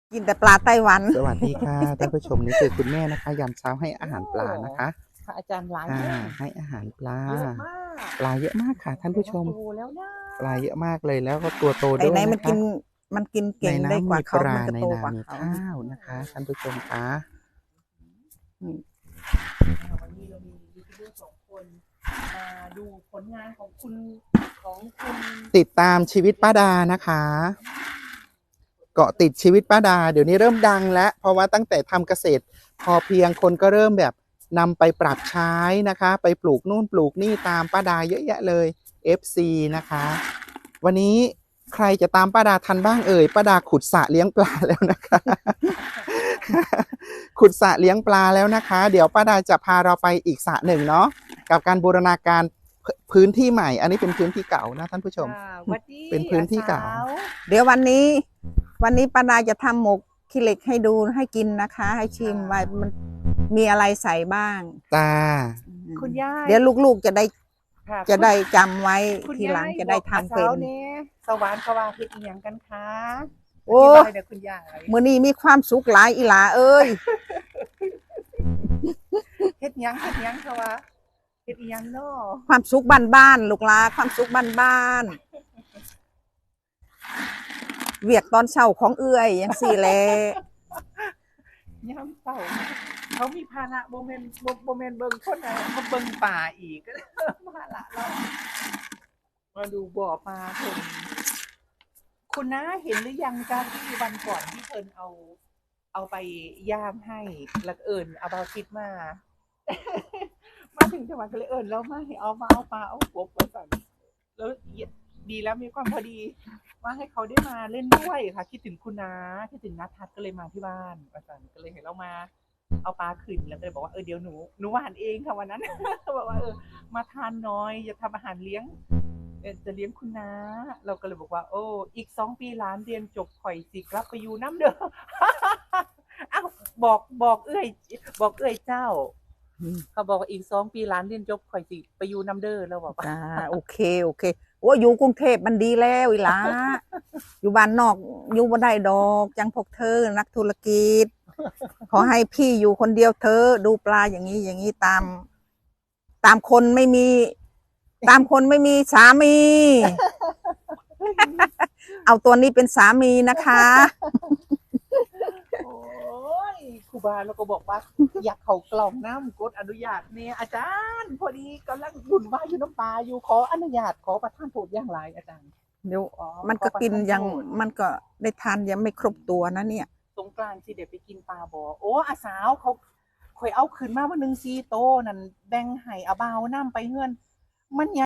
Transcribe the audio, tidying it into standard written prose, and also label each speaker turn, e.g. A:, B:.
A: กินแต่ปลาไต้หวัน
B: สวัสดีค่ะท่านผู้ชมนี่คือคุณแม่นะคะยามเช้าให้อาหารปลานะคะ
A: ค่ะอาจารย์หลาย
B: ให้อาหารปลา
A: เยอะมาก
B: ปลาเยอะมากค่ะท่านผู้ชม
A: โตแล้วนะ
B: ปลาเยอะมากเลยแล้วก็ตัวโต
A: ไหน
B: ด้วย
A: ไหน
B: นะคะ
A: มันกิน
B: ใน
A: เก่งได้ก
B: น้ำมี
A: ว่าเขา
B: ปลา
A: มันก็โต
B: ในนามี
A: กว่าเขา
B: ข้าวนะคะท่านผู้ชมคะ
A: วันนี้เรามียูทูบเบอร์2 คนมาดูผลงานของคุณ
B: ติดตามชีวิตป้าดานะคะเกาะติดชีวิตป้าดาเดี๋ยวนี้เริ่มดังแล้วเพราะว่าตั้งแต่ทำเกษตรพอเพียงคนก็เริ่มแบบนำไปปรับใช้นะคะไปปลูกนู่นปลูกนี่ตามป้าดาเยอะแยะเลย FC นะคะวันนี้ใครจะตามป้าดาทันบ้างเอ่ยป้าดาขุดสระเลี้ยงปลาแล้วนะคะ ขุดสระเลี้ยงปลาแล้วนะคะเดี๋ยวป้าดาจะพาเราไปอีกสระหนึ่งเนาะกับการบูรณาการพื้นที่ใหม่อันนี้เป็นพื้นที่เก่านะท่านผู้ชมเป็นพื้นที่เก่า
A: เดี๋ยววันนี้ป้าดาจะทำหมกขี้เหล็กให้ดูให้กินนะคะ ให้ชิมว่ามันมีอะไรใส่บ้าง
B: ตา
A: คุณย่าเดี๋ยวลูกๆจะได้จำไว้ทีหลังจะได้ทำเป็น
C: สวรรค์กว่าเฮ็ดอีหยังกันคะ
A: โอ้
C: คุณย่า
A: มื้อนี้มีความสุขหลายอีหลาเอ้ย
C: เฮ็ดหยังคะวะเฮ็ดอีหยังเนาะ
A: ความสุขบ้านๆลูกหลาความสุขบ้านๆเวียกตอนเช้าของเอื้อยจังซี่แหละ
C: ยามเช้าเขามีภาระบ่แม่นเบิ่งคนใดมาเบิ่งป่าอีกภาระเรามาดูบ่อปลาเพิ่นคุณน้าเห็นหรือยังจ้าที่วันก่อนที่เพิ่นเอาไปย่างให้แล้วเอิ้นเอาบาคิดมาถึงจังหวัดก็เลยเอิ้นแล้วมาให้เอาปลาเอากบว่าซั่นแล้วดีแล้วมีความพอดีว่าให้เขาได้มาเล่นด้วยค่ะคิดถึงคุณน้าคิดถึงณทัศน์ก็เลยมาที่บ้านว่าซั่นก็เลยให้เรามาเอาปลาขึ้นแล้วก็เลยบอกว่าเดี๋ยวหนูหวานเองค่ะวันนั้นบอกว่ามาทานหน่อยจะทำอาหารเลี้ยงจะเลี้ยงคุณน้าเราก็เลยบอกว่าโอ้อีก2 ปีหลานเรียนจบข่อยสิกลับไปอยู่น้ำเด้ออ้าวบอกเอ้ยเจ้าเขาบอกว่าอีก2 ปีหลานเรียนจบข่อยสิไปอยู่น้ำเด้อแล้วบอกว่า
A: โอเคโอ้อยู่กรุงเทพมันดีแล้วอีหลาอยู่บ้านนอกอยู่บ่ได้ดอกจังพวกเธอนักธุรกิจขอให้พี่อยู่คนเดียวเธอดูปลาอย่างนี้ตามคนไม่มีสามีเอาตัวนี้เป็นสามีนะคะ
C: โอ้ยครูบาเราก็บอกว่าอยากเข้ากล่องน้ำกดอนุญาตเนี่ยอาจารย์พอดีกำลังบุญว่าอยู่น้ำปลาอยู่ขออนุญาตขอประทานโทษอย่างไรอาจารย์
A: เดี๋ยวมันก็กินยังมันก็ได้ทานยังไม่ครบตัวนะเนี่ย
C: สงกรานต์สิเดี๋ยวไปกินปลาบ่โอ้อาสาวเขาข่อยเอาขึ้นมาว่า1 4 โตนั่นแบ่งให้อาบ่าวน้ำไปเฮือนมัน